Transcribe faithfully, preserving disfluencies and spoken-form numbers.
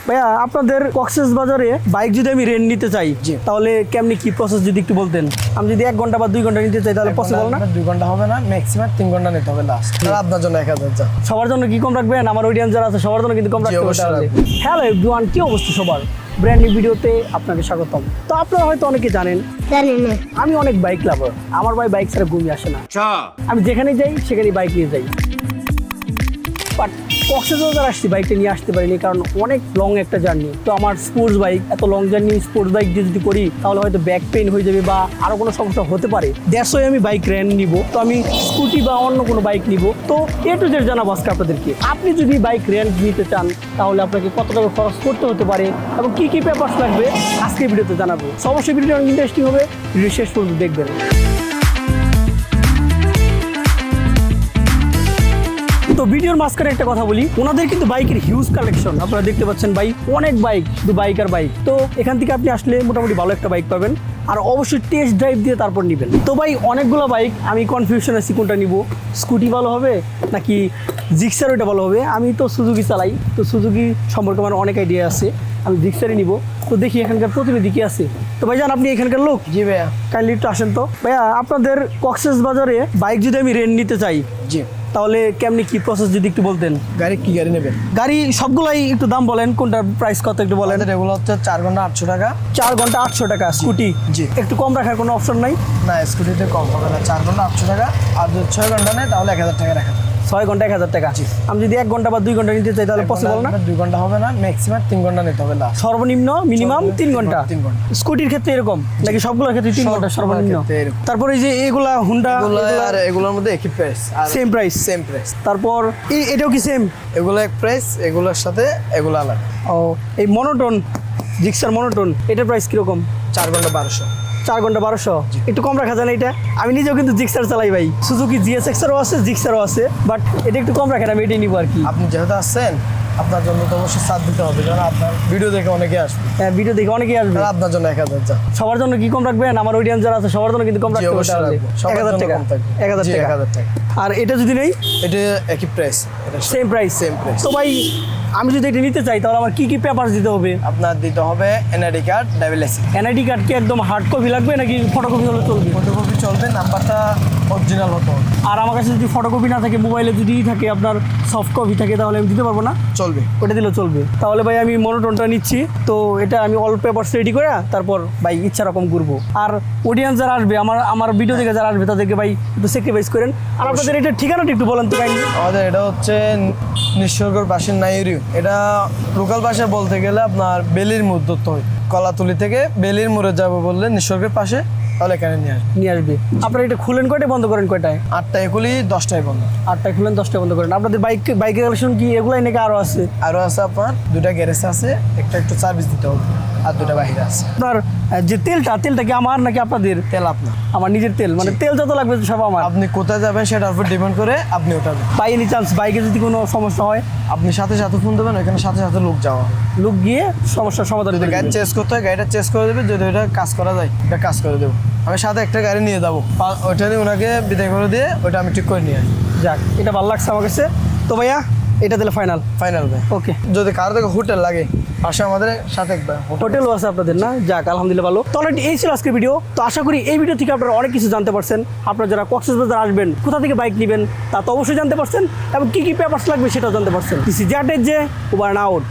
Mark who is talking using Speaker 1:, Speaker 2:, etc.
Speaker 1: ভাইয়া আপনাদের কক্সবাজারে বাইক যদি আমি রেন্ট নিতে চাই তাহলে কেমনি কি প্রসেস যদি একটু বলতেন। আমি যদি এক ঘন্টা বা দুই ঘন্টা নিতে চাই তাহলে পসিবল না?
Speaker 2: দুই ঘন্টা হবে না, ম্যাক্সিমাম তিন ঘন্টা নিতে হবে লাস্ট। আপনার জন্য এক হাজার।
Speaker 1: সবার জন্য কি কম রাখবেন? আমার অডিয়েন্স যারা আছে সবার জন্য কিন্তু কম রাখতে হবে। হ্যালো এভরিওয়ান, কি অবস্থা সবার? ব্র্যান্ড নিউ ভিডিওতে আপনাকে স্বাগতম। তো আপনারা হয়তো অনেকে জানেন আমি অনেক বাইক লাভার। আমার ভাই বাইক ছাড়া ঘুমিয়ে আসে না। আমি যেখানে যাই সেখানে বাইক নিয়ে যাই, বাট কক্সবাজার আসছি বাইকটা নিয়ে আসতে পারিনি কারণ অনেক লং একটা জার্নি। তো আমার স্পোর্টস বাইক, এত লং জার্নি স্পোর্টস বাইক দিয়ে যদি করি তাহলে হয়তো ব্যাক পেইন হয়ে যাবে বা আরও কোনো সমস্যা হতে পারে। দ্যাটস ওয়াই আমি বাইক রেন্ট নিব। তো আমি স্কুটি বা অন্য কোনো বাইক নিব। তো এ টু জেড জানাবো আজকে আপনাদেরকে। আপনি যদি বাইক রেন্ট নিতে চান তাহলে আপনাকে কত টাকা খরচ করতে হতে পারে এবং কী কী পেপারস লাগবে আজকে ভিডিওতে জানাবো। সো অবশ্যই ভিডিওটা অনেক ইন্টারেস্টিং হবে, ভিডিও শেষ পর্যন্ত দেখবেন। তো ভিডিওর মাঝখানে একটা কথা বলি, ওনাদের কিন্তু বাইকের হিউজ কালেকশন আপনারা দেখতে পাচ্ছেন। বাইক অনেক বাইক, শুধু বাইক আর বাইক। তো এখান থেকে আপনি আসলে মোটামুটি ভালো একটা বাইক পাবেন আর অবশ্যই টেস্ট ড্রাইভ দিয়ে তারপর নেবেন। তো ভাই অনেকগুলো বাইক, আমি কনফিউশন আছি কোনটা নিব। স্কুটি ভালো হবে নাকি জিক্সার ওইটা ভালো হবে? আমি তো সুজুকি চালাই, তো সুজুকি সম্পর্কে আমার অনেক আইডিয়া আছে, আমি জিক্সারই নিব। তো দেখি এখানকার প্রতিনিধি কি আছে। তো ভাইজান আপনি এখানকার লোক?
Speaker 2: জি ভাইয়া।
Speaker 1: কাইন্ডলি একটু আসেন তো। ভাইয়া আপনাদের কক্সবাজারে বাইক যদি আমি রেন্ট নিতে চাই
Speaker 2: জি
Speaker 1: তাহলে কেমনি কি প্রসেস যদি একটু বলতেন।
Speaker 2: গাড়ি কি গাড়ি নেবেন?
Speaker 1: গাড়ি সবগুলাই একটু দাম বলেন, কোনটার প্রাইস কত একটু বলেন।
Speaker 2: এগুলো হচ্ছে চার ঘন্টা আটশো টাকা।
Speaker 1: চার ঘন্টা আটশো টাকা স্কুটি?
Speaker 2: জি।
Speaker 1: একটু কম রাখার কোনো অপশন নাই?
Speaker 2: না, স্কুটিতে কম হবে না। চার ঘন্টা আটশো টাকা, আর যদি ছয় ঘন্টা নেয় তাহলে এক হাজার টাকা রাখা।
Speaker 1: ছয় ঘন্টা এক হাজার টাকা। আমি যদি এক ঘন্টা বা দুই ঘন্টা নিতে চাই তাহলে পসিবল না?
Speaker 2: দুই ঘন্টা হবে না, ম্যাক্সিমাম তিন ঘন্টা নিতে হবে লাস্ট।
Speaker 1: সর্বনিম্ন মিনিমাম তিন ঘন্টা।
Speaker 2: তিন ঘন্টা
Speaker 1: স্কুটির ক্ষেত্রে এরকম নাকি সবগুলোর ক্ষেত্রে তিন ঘন্টা সর্বনিম্ন? তারপরে এই যে এগুলা হুন্ডা,
Speaker 2: আর এগুলোর মধ্যে একই price,
Speaker 1: same price?
Speaker 2: Same price.
Speaker 1: তারপর এই এটাও কি সেম?
Speaker 2: এগুলো এক প্রাইস, এগুলোর সাথে এগুলো আলাদা।
Speaker 1: ও এই মনোটন, জিক্সার মনোটন, এটার প্রাইস কিরকম?
Speaker 2: চার ঘন্টা বারোশো।
Speaker 1: চার ঘন্টা বারোশো। একটু কম রাখা যায় না এটা? আমি নিজেও কিন্তু জিক্সার চালাই ভাই, সুজুকি জিএসএক্সারও আছে, জিক্সারও আছে, বাট এটা একটু কম রাখেন, আমি এটাই নিবো আর কি।
Speaker 2: আপনি যেহেতু আসছেন আপনার জন্য তো অবশ্যই ছাড় দিতে হবে, কারণ আপনার ভিডিও দেখে অনেকে আসবে।
Speaker 1: হ্যাঁ ভিডিও দেখে অনেকেই আসবে।
Speaker 2: আপনার জন্য এক হাজার। যা
Speaker 1: সবার জন্য কি কম রাখবেন? আমার অডিয়েন্স যারা আছে সবার জন্য কিন্তু কম রাখতে হবে। এক হাজার টাকা। এক হাজার টাকা। আর এটা যদি নেই?
Speaker 2: এটা একই price,
Speaker 1: same price.
Speaker 2: Same price.
Speaker 1: তো ভাই আমি যদি এটা নিতে চাই তাহলে আমার কি কি পেপার দিতে হবে?
Speaker 2: আপনার দিতে হবে NID card, driving licence.
Speaker 1: NID card কি একদম হার্ড কপি লাগবে নাকি ফটোকপি হলে চলবে?
Speaker 2: ফটোকপি চলবে, নাম্বারটা অরিজিনাল হতে হবে।
Speaker 1: আর আমার কাছে যদি ফটোকপি না থাকে, মোবাইলে যদি থাকে আপনার সফট কপি থাকে, তাহলে আমি দিতে পারবো না?
Speaker 2: চলবে,
Speaker 1: ওটা দিলেও চলবে। তাহলে ভাই আমি মনোটনটা নিচ্ছি। তো এটা আমি অল পেপারস রেডি করে তারপর ভাই ইচ্ছা রকম ঘুরবো। আর অডিয়েন্স যারা আসবে, আমার আমার ভিডিও দেখে যারা আসবে তাদেরকে ভাই একটু স্যাক্রিফাইস করেন। আর আপনাদের এটা ঠিকানাটা একটু বলেন তো কাইন্ডলি।
Speaker 2: আমাদের এটা হচ্ছে নিঃস্বর্গর পাশের নাইরিউ। এটা লোকাল ভাষায় বলতে গেলে আপনার বেলির মোড় ধরতে হয়। কলাতুলি থেকে বেলির মোড়ে যাবো বললে নিঃস্বর্গের পাশে, তাহলে এখানে নিয়ে আসবে।
Speaker 1: নিয়ে আসবে। আপনারা এটা খুলেন কয়টায়, বন্ধ করেন কয়টায়?
Speaker 2: আটটায় খুলি, দশটায় বন্ধ।
Speaker 1: আটটায় খুলেন, দশটায় বন্ধ করেন। আপনাদের বাইক বাইকের কালেকশন কি এগুলাই নাকি আরও আছে?
Speaker 2: আরও আছে, আপনার দুটা গ্যারেজ আছে, একটা একটু সার্ভিস দিতে হবে, আর দুটা বাইরে আছে।
Speaker 1: আপনার যে তেলটা, তেলটা কি আমার নাকি আপনাদের?
Speaker 2: তেল আপনার।
Speaker 1: আমার নিজের তেল, মানে তেল যত লাগবে সব আমার।
Speaker 2: আপনি কোথায় যাবেন সেটার উপর ডিপেন্ড করে আপনি ওঠাবেন।
Speaker 1: বাই এনি চান্স বাইকে যদি কোনো সমস্যা হয়
Speaker 2: আপনি সাথে সাথে ফোন দেবেন, ওইখানে সাথে সাথে লোক যাওয়া হবে।
Speaker 1: লোক গিয়ে সমস্যার সমাধান
Speaker 2: যদি
Speaker 1: করে
Speaker 2: গাড়ি
Speaker 1: দিবে।
Speaker 2: চেঞ্জ করতে হয় গাড়িটা চেঞ্জ করে দেবে, যদি ওইটা কাজ করা যায় এটা কাজ করে দেবো। আমি সাথে একটা গাড়ি নিয়ে যাবো, ওইটা নিয়ে ওনাকে বিদায় করে দিয়ে ওইটা আমি ঠিক করে নিয়ে আসি।
Speaker 1: যাক, এটা ভালো লাগছে আমার কাছে। তো ভাইয়া এটা দিলে ফাইনাল?
Speaker 2: ফাইনাল ভাই।
Speaker 1: ওকে।
Speaker 2: যদি কারো থেকে হোটেল লাগে পাশে আমাদের সাথে একবার
Speaker 1: হোটেলও আছে আপনাদের না? যাক আলহামদুলিল্লাহ ভালো। তো অলরেডি এই ছিল আজকের ভিডিও। তো আশা করি এই ভিডিও থেকে আপনারা অনেক কিছু জানতে পারছেন। আপনারা যারা কক্সবাজার আসবেন, কোথা থেকে বাইক নেবেন তা তো অবশ্যই জানতে পারছেন, এবং কী কী পেপারস লাগবে সেটাও জানতে পারছেন। দিস ইজ যে উবার আউট।